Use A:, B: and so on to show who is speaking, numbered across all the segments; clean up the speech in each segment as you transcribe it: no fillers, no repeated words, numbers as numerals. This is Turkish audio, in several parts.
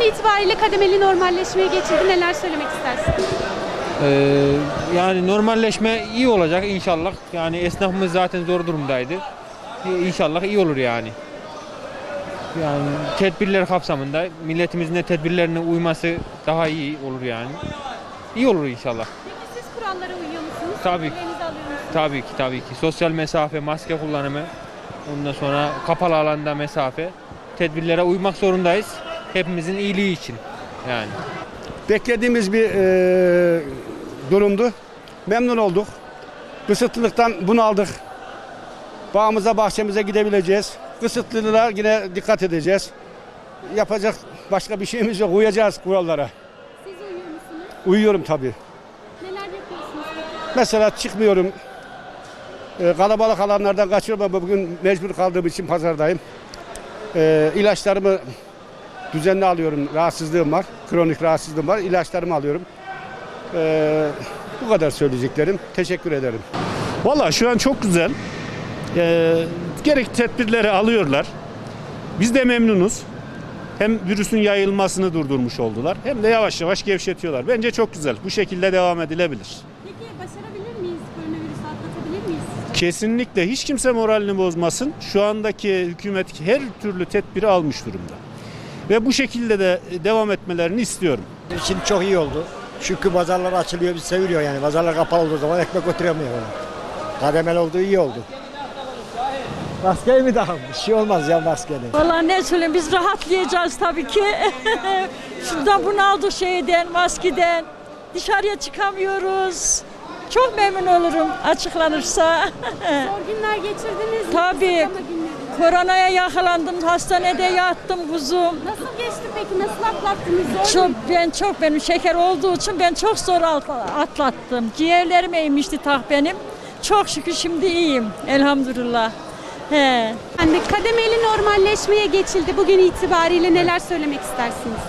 A: itibariyle kademeli normalleşmeye geçildi. Neler söylemek istersin?
B: Yani normalleşme iyi olacak inşallah. Yani esnafımız zaten zor durumdaydı. İnşallah iyi olur yani. Yani tedbirler kapsamında milletimizin de tedbirlerine uyması daha iyi olur yani. İyi olur inşallah.
A: Peki siz kurallara uyuyor musunuz?
B: Tabii ki.
A: Tedbirlerinizi alıyor musunuz?
B: Tabii ki. Sosyal mesafe, maske kullanımı, ondan sonra kapalı alanda mesafe. Tedbirlere uymak zorundayız. Hepimizin iyiliği için yani.
C: Beklediğimiz bir durumdu. Memnun olduk. Kısıtlılıktan bunu aldık. Bağımıza, bahçemize gidebileceğiz. Kısıtlılığa yine dikkat edeceğiz. Yapacak başka bir şeyimiz yok. Uyacağız kurallara.
A: Siz uyuyor musunuz?
C: Uyuyorum tabii.
A: Neler yapıyorsunuz?
C: Mesela çıkmıyorum. Kalabalık alanlardan kaçıyorum ama bugün mecbur kaldığım için pazardayım. İlaçlarımı düzenli alıyorum. Rahatsızlığım var. Kronik rahatsızlığım var. İlaçlarımı alıyorum. Bu kadar söyleyeceklerim. Teşekkür ederim.
D: Vallahi şu an çok güzel. Gerek tedbirleri alıyorlar. Biz de memnunuz. Hem virüsün yayılmasını durdurmuş oldular, hem de yavaş yavaş gevşetiyorlar. Bence çok güzel. Bu şekilde devam edilebilir.
A: Peki başarabilir miyiz? Koronavirüsü atlatabilir miyiz?
D: Kesinlikle hiç kimse moralini bozmasın. Şu andaki hükümet her türlü tedbiri almış durumda. Ve bu şekilde de devam etmelerini istiyorum.
E: Şimdi çok iyi oldu. Çünkü pazarlar açılıyor, biz seviyor yani. Pazarlar kapalı olduğu zaman ekmek götüremiyor. Kademeli olduğu iyi oldu. Maskeyi mi daha? Bir şey olmaz ya maskenin.
F: Vallahi ne söyleyeyim, biz rahatlayacağız tabii ki. Şuradan bunaldık şeyden, maskeden. Dışarıya çıkamıyoruz. Çok memnun olurum açıklanırsa.
A: Zor günler geçirdiniz mi?
F: Tabii.
A: Kısıtlama günleri.
F: Koronaya yakalandım, hastanede yattım kuzum.
A: Nasıl geçti peki? Nasıl atlattınız? Zor muydu?
F: Benim şeker olduğu için ben çok zor atlattım. Ciğerlerim eğmişti benim. Çok şükür şimdi iyiyim elhamdülillah. He.
A: Yani kademeli normalleşmeye geçildi. Bugün itibariyle neler söylemek istersiniz?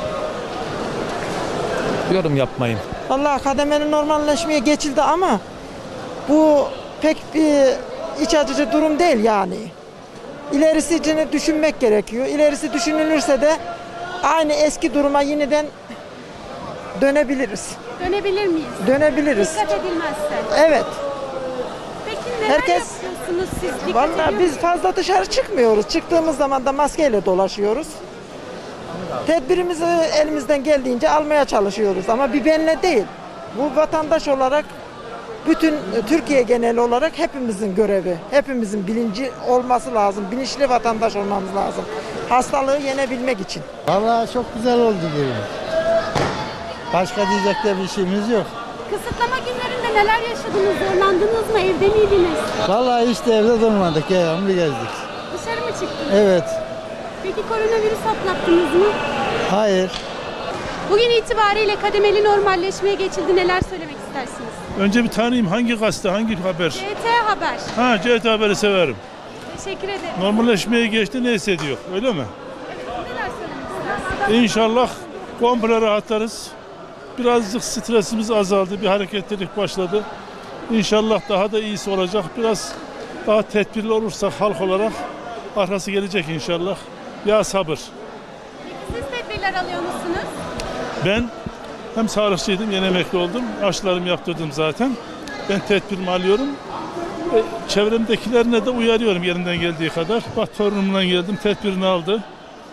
B: Yorum yapmayın.
G: Vallahi kademeli normalleşmeye geçildi ama bu pek bir iç açıcı durum değil yani. İlerisini düşünmek gerekiyor. İlerisi düşünülürse de aynı eski duruma yeniden dönebiliriz.
A: Dönebilir miyiz?
G: Dönebiliriz.
A: Dikkat edilmezse.
G: Evet.
A: Peki neler
G: Herkes-
A: yapıyorsunuz siz? Dikkat
G: Vallahi
A: ediyor
G: biz
A: musunuz?
G: fazla dışarı çıkmıyoruz. Çıktığımız zaman da maskeyle dolaşıyoruz. Tedbirimizi elimizden geldiğince almaya çalışıyoruz ama bir benle değil. Bu vatandaş olarak bütün Türkiye geneli olarak hepimizin görevi, hepimizin bilinci olması lazım. Bilinçli vatandaş olmamız lazım. Hastalığı yenebilmek için.
E: Vallahi çok güzel oldu diyorum. Başka diyecek de bir şeyimiz yok.
A: Kısıtlama günlerinde neler yaşadınız? Zorlandınız mı? Evde miydiniz?
E: Vallahi işte evde durmadık ya, ömrü gezdik.
A: Dışarı mı çıktınız?
E: Evet,
A: Peki koronavirüs atlattınız mı?
E: hayır.
A: Bugün itibariyle kademeli normalleşmeye geçildi. Neler söylemek istersiniz?
H: Önce bir tanıyayım, hangi gazete, hangi haber?
A: GT Haber.
H: Ha, CT Haber'i severim.
A: Teşekkür ederim.
H: Normalleşmeye geçti, ne hissediyor, öyle mi?
A: Neler söylemek istersiniz?
H: İnşallah komple rahatlarız. Birazcık stresimiz azaldı, bir hareketlilik başladı. İnşallah daha da iyisi olacak. Biraz daha tedbirli olursak halk olarak arkası gelecek inşallah. Ya sabır.
A: Peki siz tedbirler alıyor musunuz?
H: Ben hem sağlıkçıydım, yeni emekli oldum. Aşılarımı yaptırdım zaten. Ben tedbirimi alıyorum. Çevremdekilerine de uyarıyorum yerinden geldiği kadar. Bak torunumdan geldim, tedbirini aldı.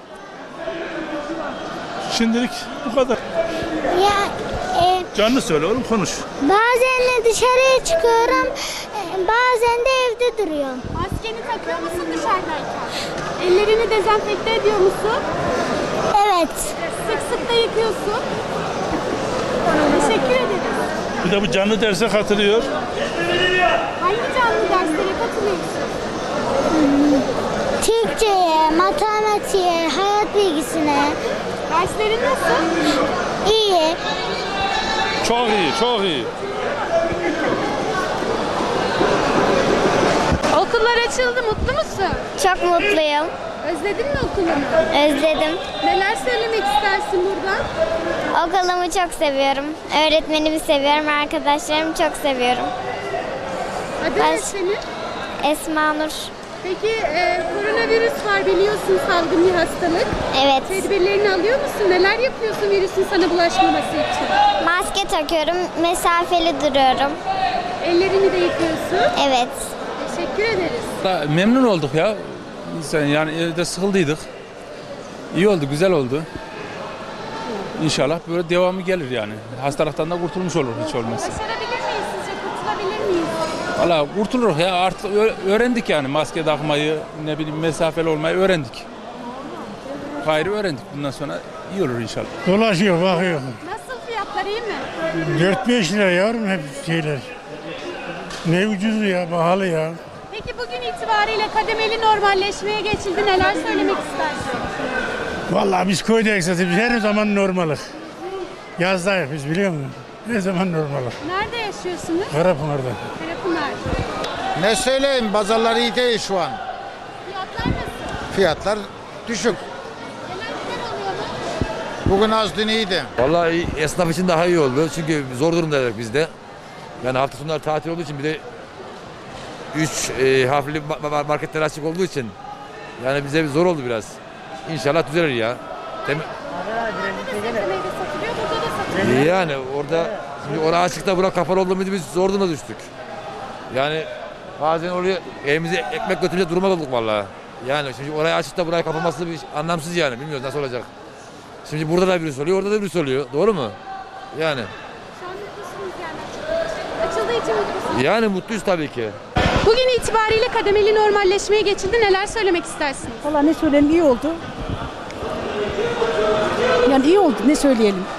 H: Şimdilik bu kadar. Canlı söyle oğlum, konuş.
I: Bazen de dışarıya çıkıyorum, bazen de evde duruyorum.
A: Maskeni takıyor musun dışarıdayken? Ellerini dezenfekte ediyor musun?
I: Evet.
A: Sık sık da yıkıyorsun. Teşekkür ederiz.
H: Bir de bu canlı derse katılıyor.
A: Hangi canlı derslere katılıyorsun?
I: Türkçe'ye, matematiğe, hayat bilgisine.
A: Derslerin nasıl?
I: İyi.
H: Çok iyi, çok iyi.
A: Okullar açıldı, mutlu musun?
I: Çok mutluyum.
A: Özledin mi okulunu?
I: Özledim.
A: Neler söylemek istersin buradan?
I: Okulumu çok seviyorum. Öğretmenimi seviyorum, arkadaşlarımı çok seviyorum.
A: Adın ne senin?
I: Esma Nur.
A: Peki koronavirüs var biliyorsun, salgın bir hastalık.
I: Evet.
A: Tedbirlerini alıyor musun? Neler yapıyorsun virüsün sana bulaşmaması için?
I: Maske takıyorum, mesafeli duruyorum.
A: Ellerini de yıkıyorsun.
I: Evet.
A: Teşekkür ederiz.
J: Memnun olduk ya. Yani evde sıkıldıydık. İyi oldu, güzel oldu. İnşallah böyle devamı gelir yani. Hastalıktan da kurtulmuş olur hiç olmazsa.
A: Başarabilir miyiz sizce? Kurtulabilir miyiz?
J: Valla kurtuluruz ya, artık öğrendik yani maske takmayı, ne bileyim mesafeli olmayı öğrendik. Gayrı öğrendik, bundan sonra iyi olur inşallah.
K: Dolaşıyor, bakıyor.
A: Nasıl fiyatlar, iyi mi?
K: 4-5 lira yavrum hep şeyler. Ne ucuz ya, pahalı ya.
A: Peki bugün itibariyle kademeli normalleşmeye geçildi. Neler söylemek istersin?
K: Vallahi biz köydeyik zaten, biz her zaman normalik. Yazdayız biz, biliyor musun? Her zaman normalik.
A: Nerede yaşıyorsunuz?
K: Karapınar'da.
A: Karapınar.
L: Ne söyleyeyim, pazarlar iyi değil şu an.
A: Fiyatlar nasıl?
L: Fiyatlar düşük.
A: Yemekler oluyor mu?
L: Bugün az dün iyiydi.
M: Vallahi esnaf için daha iyi oldu. Çünkü zor durumdaydık biz de. Yani hafta sonları tatil olduğu için bir de 3 harfli marketler açık olduğu için yani bize zor oldu biraz. İnşallah düzelir ya.
A: Sebze meyve satılıyor, burada da satılıyor.
M: Yani orada şimdi orası açıkta bura kapalı olduğumuz biz zor duruma düştük. Yani bazen oraya evimize ekmek götürünce duruma olduk vallahi. Yani şimdi orayı açıkta burayı kapaması bir anlamsız yani. Bilmiyoruz nasıl olacak. Şimdi burada da birisi oluyor, orada da birisi oluyor. Doğru mu? Yani.
A: Şu an mutlusunuz yani. Açıldığı için mutlusunuz.
M: Yani mutluyuz tabii ki.
A: Bugün itibariyle kademeli normalleşmeye geçildi. Neler söylemek istersiniz?
F: Valla ne söyleyeyim, iyi oldu. Yani iyi oldu, ne söyleyelim.